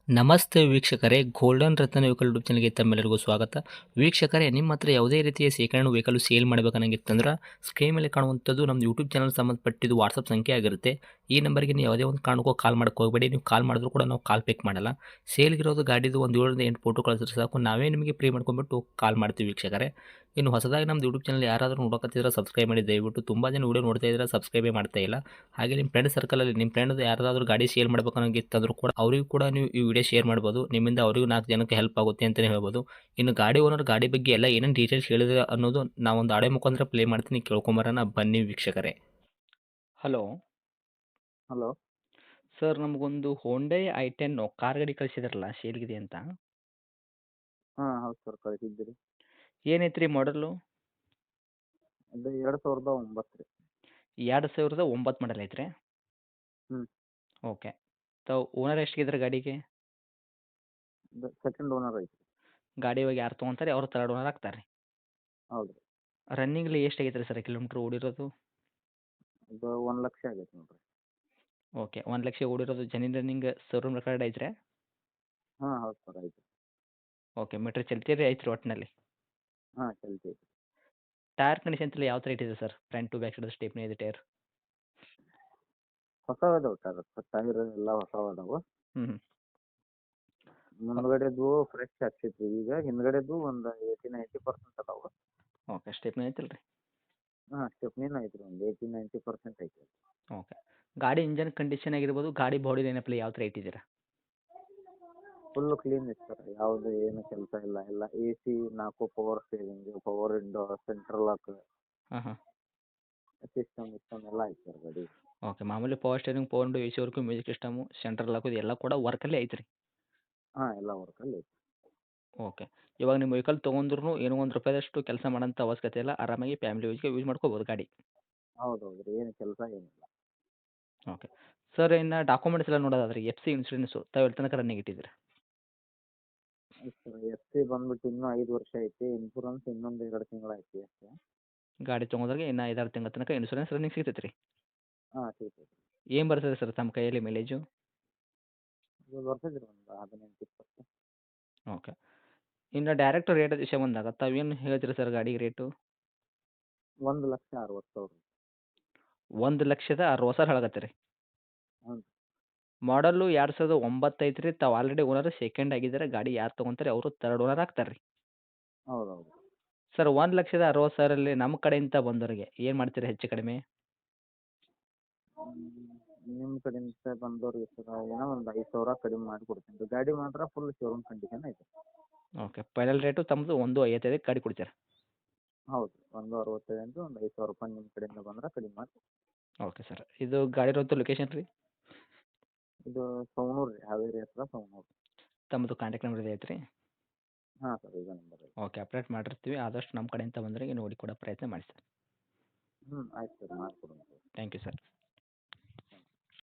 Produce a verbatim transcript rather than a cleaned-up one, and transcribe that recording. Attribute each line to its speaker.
Speaker 1: ನಮಸ್ತೆ ವೀಕ್ಷಕರೇ, ಗೋಲ್ಡನ್ ರತ್ನ vehicle YouTube ಚಾನಲ್‌ಗೆ ತಮ್ಮೆಲ್ಲರಿಗೂ ಸ್ವಾಗತ. ವೀಕ್ಷಕರೇ, ನಿಮ್ಮ ಹತ್ರ ಯಾವುದೇ ರೀತಿಯ ಶೇಖರಣೆ ವೆಹಿಕಲ್ ಸೇಲ್ ಮಾಡಬೇಕನ್ನಂಗಿತ್ತಂದ್ರೆ ಸ್ಕ್ರೀನ್ ಮೇಲೆ ಕಾಣುವಂಥದ್ದು ನಮ್ಮ ಯೂಟ್ಯೂಬ್ ಚಾನಲ್ ಸಂಬಂಧಪಟ್ಟಿದ್ದು ವಾಟ್ಸಪ್ ಸಂಖ್ಯೆ ಆಗಿರುತ್ತೆ. ಈ ನಂಬರ್‌ಗೆ ನೀವು ಯಾವುದೇ ಒಂದು ಕಾರಣಕ್ಕೂ ಕಾಲ್ ಮಾಡಕ್ಕೆ ಹೋಗಬೇಡಿ. ನೀವು ಕಾಲ್ ಮಾಡಿದ್ರು ಕೂಡ ನಾವು ಕಾಲ್ ಪಿಕ್ ಮಾಡಲ್ಲ. ಸೇಲ್ಗಿರೋದು ಗಾಡಿದು ಒಂದು ಏಳರಿಂದ ಎಂಟು ಫೋಟೋ ಕಳಿಸಿದ್ರೆ ಸಾಕು, ನಾವೇ ನಿಮಗೆ ಪ್ರೀ ಮಾಡ್ಕೊಂಡ್ಬಿಟ್ಟು ಕಾಲ್ ಮಾಡ್ತೀವಿ ವೀಕ್ಷಕರೇ. ಇನ್ನು ಹೊಸದಾಗಿ ನಮ್ಮದು ಯೂಟ್ಯೂಬ್ ಚಾನಲ್ ಯಾರಾದರೂ ನೋಡಕತ್ತಿದ್ರೆ ಸಬ್ಸ್ಕ್ರೈಬ್ ಮಾಡಿ ದಯವಿಟ್ಟು. ತುಂಬ ಜನ ವೀಡಿಯೋ ನೋಡ್ತಾ ಇದ್ದಾರೆ, ಸಬ್ಸ್ಕ್ರೈಬೇ ಮಾಡ್ತಾ ಇಲ್ಲ. ಹಾಗೆ ನಿಮ್ಮ ಫ್ರೆಂಡ್ ಸರ್ಕಲಲ್ಲಿ ನಿಮ್ಮ ಫ್ರೆಂಡ್ ಯಾರಾದರೂ ಗಾಡಿ ಸೇಲ್ ಮಾಡ್ಬೇಕನ್ನೋಂಗಿತ್ತಂದ್ರೂ ಕೂಡ ಅವರಿಗೂ ಕೂಡ ನೀವು ಈ ವಿಡಿಯೋ ಶೇರ್ ಮಾಡ್ಬೋದು. ನಿಮ್ಮಿಂದ ಅವರಿಗೂ ನಾಲ್ಕು ಜನಕ್ಕೆ ಹೆಲ್ಪ್ ಆಗುತ್ತೆ ಅಂತಲೇ ಹೇಳ್ಬೋದು. ಇನ್ನು ಗಾಡಿ ಓನರ್ ಗಾಡಿ ಬಗ್ಗೆ ಎಲ್ಲ ಏನೇನು ಡೀಟೇಲ್ಸ್ ಹೇಳಿದ್ರೆ ಅನ್ನೋದು ನಾವೊಂದು ಆಡಿಯೋ ಮುಖಾಂತರ ಪ್ಲೇ ಮಾಡ್ತೀನಿ, ಕೇಳ್ಕೊಂಬರೋಣ ಬನ್ನಿ ವೀಕ್ಷಕರೇ. Hello
Speaker 2: hello.
Speaker 1: ಸರ್, ನಮಗೊಂದು ಹೋಂಡೈ ಐ ಟೆನ್ ಕಾರ್ ಗಾಡಿ ಕಳಿಸಿದ್ರಲ್ಲ, ಸೇಲ್ಗಿದೆ ಅಂತ.
Speaker 2: ಹಾಂ ಹೌದು ಸರ್, ಕಳಿಸಿದ್ದೀರಿ.
Speaker 1: ಏನೈತ್ರಿ ಮಾಡಲು?
Speaker 2: ಅದು ಎರಡು ಸಾವಿರದ ಒಂಬತ್ತು ರೀ.
Speaker 1: ಎರಡು ಸಾವಿರದ ಒಂಬತ್ತು ಮಾಡಲ್ ಐತ್ರಿ.
Speaker 2: ಹ್ಞೂ.
Speaker 1: ಓಕೆ. ತಾವು ಓನರ್ ಎಷ್ಟಿದ್ದಾರೆ ಗಾಡಿಗೆ?
Speaker 2: ಅದು ಸೆಕೆಂಡ್ ಓನರ್ ಐತಿ.
Speaker 1: ಗಾಡಿ ಇವಾಗ ಯಾರು ತೊಗೊಂತಾರೆ ಅವ್ರು ತರ್ಡ್ ಓನರ್ ಆಗ್ತಾರೆ.
Speaker 2: ಹೌದು ರೀ.
Speaker 1: ರನ್ನಿಂಗ್ಲಿ ಎಷ್ಟು ಆಗೈತೆ ರೀ ಸರ್ ಕಿಲೋಮೀಟ್ರ್ ಓಡಿರೋದು?
Speaker 2: ಅದು ಒಂದು ಲಕ್ಷ ಆಗೈತೆ ನೋಡಿರಿ.
Speaker 1: ಓಕೆ, ಒಂದು ಲಕ್ಷ ಓಡಿರೋದು ಜೆನ್ಯೂನ್ ರನ್ನಿಂಗ್ ಶೋರೂಮ್ ರೆಕಾರ್ಡ್ ಐತ್ರಿ?
Speaker 2: ಹಾಂ ಹೌದು ಸರ್, ಐತಿ.
Speaker 1: ಓಕೆ, ಮೀಟ್ರ್ ಚಲ್ತಿರಿ ಐತ್ರಿ ಒಟ್ಟಿನಲ್ಲಿ?
Speaker 2: ಹಾಂ ಚಲ್ತಿ ಐತಿ.
Speaker 1: ಟೈರ್ ಕಂಡೀಷನ್ ಎಲ್ಲ ಯಾವ ಥರ ಇಟ್ಟಿದೆ ಸರ್? Front to back side stepney ಇದೆ ಟೈರ್?
Speaker 2: ಹೊಸವು ಅದಾವೆ ಟೈರ್, ಟೈರ್ ಎಲ್ಲ ಹೊಸವು ಅದಾವೆ.
Speaker 1: ಹ್ಞೂ ಹ್ಞೂ.
Speaker 2: ಮುಂದ್ಗಡೆದು ಫ್ರೆಶ್ ಹಾಕ್ಸಿದ್ವಿ. ಈಗ ಹಿಂದ್ಗಡೆದು ಒಂದು ಏಯ್ಟಿ ನೈಂಟಿ ಪರ್ಸೆಂಟ್ ಅದಾವೆ.
Speaker 1: ಓಕೆ, ಸ್ಟೆಪ್ನಿ ಐತಲ್ಲ ರೀ?
Speaker 2: ಹಾಂ ಸ್ಟೆಪ್ನಿನೂ ಐತಿ ರೀ, ಒಂದು ಏಯ್ಟಿ ನೈಂಟಿ ಪರ್ಸೆಂಟ್ ಐತಿ.
Speaker 1: ಓಕೆ. ಗಾಡಿ ಇಂಜನ್ ಕಂಡೀಷನ್ ಆಗಿರ್ಬೋದು, ಗಾಡಿ ಬಾಡಿ ಏನಪ್ಪಲ್ಲ ಯಾವ ಥರ ಇಟ್ಟಿದ್ದೀರಾ?
Speaker 2: ಫುಲ್ಲು ಕ್ಲೀನ್ ಐತೆ ಸರ್, ಯಾವುದು ಏನು ಕೆಲಸ ಇಲ್ಲ. ಎಲ್ಲ ಎ ಸಿ, ನಾಲ್ಕು power steering, power window, central lock,
Speaker 1: ಹಾಂ ಹಾಂ.
Speaker 2: ಸಿಸ್ಟಮ್ ಇಸ್ಟಮ್ ಎಲ್ಲ ಐತೆ ಸರ್ ಗಾಡಿ.
Speaker 1: ಓಕೆ, ಮಾಮೂಲಿ power steering, power window, A C work, music system, central lock ಎಲ್ಲ ಕೂಡ ವರ್ಕಲ್ಲೇ ಐತ್ರಿ?
Speaker 2: ಹಾಂ ಎಲ್ಲ ವರ್ಕಲ್ಲಿ ಐತಿ.
Speaker 1: ಓಕೆ. ಇವಾಗ ನಿಮ್ಮ ವೆಹಿಕಲ್ ತೊಗೊಂಡ್ರು ಏನೋ ಒಂದು ರೂಪಾಯಿದಷ್ಟು ಕೆಲಸ ಮಾಡೋಂಥ ಅವಶ್ಯಕತೆ ಇಲ್ಲ, ಆರಾಮಾಗಿ ಫ್ಯಾಮಿಲಿ ಯೂಸ್ಗೆ ಯೂಸ್ ಮಾಡ್ಕೋಬೋದು ಗಾಡಿ.
Speaker 2: ಹೌದು ಹೌದು ರೀ, ಏನು ಕೆಲಸ ಏನಿಲ್ಲ.
Speaker 1: ಓಕೆ. ಸರ್, ಇನ್ನು ಡಾಕ್ಯುಮೆಂಟ್ಸ್ ಎಲ್ಲ ನೋಡೋದಾದ್ರೆ ಎಫ್ ಸಿ ಇನ್ಸೂರೆನ್ಸು ತಾವು ಎಲ್ಲಿ ತನಕ ರನ್ನಿಂಗ್ ಇಟ್ಟಿದ್ದೀರಾ?
Speaker 2: ಎಫ್ ಸಿ ಬಂದ್ಬಿಟ್ಟು ಇನ್ನೂ ಐದು ವರ್ಷ ಐತಿ. ಇನ್ಶೂರೆನ್ಸ್ ಇನ್ನೊಂದು ಎರಡು ತಿಂಗಳು ಐತಿ ಅಷ್ಟೇ.
Speaker 1: ಗಾಡಿ ತೊಗೊಂಡ್ರೆ ಇನ್ನು ಐದಾರು ತಿಂಗಳ ತನಕ ಇನ್ಸೂರೆನ್ಸ್ ರನ್ನಿಂಗ್ ಸಿಗ್ತೈತೆ ರೀ?
Speaker 2: ಹಾಂ ಸಿಗ್ತೈತಿ.
Speaker 1: ಏನು ಬರ್ತದೆ ಸರ್ ತಮ್ಮ ಕೈಯಲ್ಲಿ ಮೈಲೇಜು?
Speaker 2: ಇದು ಬರ್ತದೆ ರೀ, ಒಂದು ಹದಿನೆಂಟು ಇಪ್ಪತ್ತು.
Speaker 1: ಓಕೆ. ಇನ್ನು ಡೈರೆಕ್ಟ್ ರೇಟ್ ವಿಷಯ ಬಂದಾಗ ತಾವೇನು ಹೇಳ್ತೀರಿ ಸರ್ ಗಾಡಿಗೆ ರೇಟು?
Speaker 2: ಒಂದು ಲಕ್ಷ ಅರವತ್ತು ಸಾವಿರ.
Speaker 1: ಒಂದು ಲಕ್ಷದ ಅರವತ್ತು ಸಾವಿರ ಹೇಳಕತ್ತೀರಿ?
Speaker 2: ಹ್ಞೂ.
Speaker 1: ಮಾಡಲ್ಲು ಎರಡು ಸಾವಿರದ ಒಂಬತ್ತು ಐತ್ರಿ. ತಾವು ಆಲ್ರೆಡಿ ಓನರ್ ಸೆಕೆಂಡ್ ಆಗಿದ್ದಾರೆ. ಗಾಡಿ ಯಾರು ತೊಗೊಂತಾರೆ ಅವರು ತರ್ಡ್ ಓನರ್ ಆಗ್ತಾರೆ ರೀ.
Speaker 2: ಹೌದು ಹೌದು.
Speaker 1: ಸರ್, ಒಂದು ಲಕ್ಷದ ಅರವತ್ತು ಸಾವಿರಲ್ಲಿ ನಮ್ಮ ಕಡೆಯಿಂದ ಬಂದವರಿಗೆ ಏನು ಮಾಡ್ತೀರಾ ಹೆಚ್ಚು ಕಡಿಮೆ?
Speaker 2: ನಿಮ್ಮ ಕಡೆಯಿಂದ ಬಂದವ್ರಿಗೆ ಸರ ಏನೋ ಒಂದು ಐದು ಸಾವಿರ ಕಡಿಮೆ ಮಾಡಿ ಕೊಡ್ತೀನಿ ರೀ. ಗಾಡಿ ಮಾತ್ರ ಫುಲ್ ಶೋರೂಮ್ ಕಂಡೀಷನ್ ಐತೆ.
Speaker 1: ಓಕೆ, ಫೈನಲ್ ರೇಟು ತಮ್ಮದು ಒಂದು ಐವತ್ತೈದಕ್ಕೆ ಗಾಡಿ ಕೊಡ್ತೀರಾ?
Speaker 2: ಹೌದು, ಒಂದು ಅರವತ್ತೈದು ಅಂದರೆ ಒಂದು ಐದು ಸಾವಿರ ರೂಪಾಯಿ ನಿಮ್ಮ ಕಡೆಯಿಂದ ಬಂದ್ರೆ ಕಡಿಮೆ ಮಾಡಿ.
Speaker 1: Okay sir. ಇದು ಗಾಡಿ ಇರೋದು ಲೊಕೇಶನ್ ರೀ?
Speaker 2: ಇದು ಸವಣೂರು ರೀ, ಹಾವೇರಿ ಹತ್ರ ಸವಣೂರು.
Speaker 1: ತಮ್ಮದು ಕಾಂಟ್ಯಾಕ್ಟ್ ನಂಬರ್ ಇದೆ ಐತ್ರಿ?
Speaker 2: ಹಾಂ ಸರ್, ಇದೇ ನಂಬರ್ ಐತೆ.
Speaker 1: ಓಕೆ, ಅಪ್ಡೇಟ್ ಮಾಡಿರ್ತೀವಿ. ಆದಷ್ಟು ನಮ್ಮ ಕಡೆಯಿಂದ ಬಂದವರಿಗೆ ನೋಡಿ ಕೊಡೋ ಪ್ರಯತ್ನ ಮಾಡಿ ಸರ್.
Speaker 2: ಹ್ಞೂ ಆಯ್ತು ಸರ್, ಮಾಡಿಕೊಡೋಣ.
Speaker 1: Thank you sir.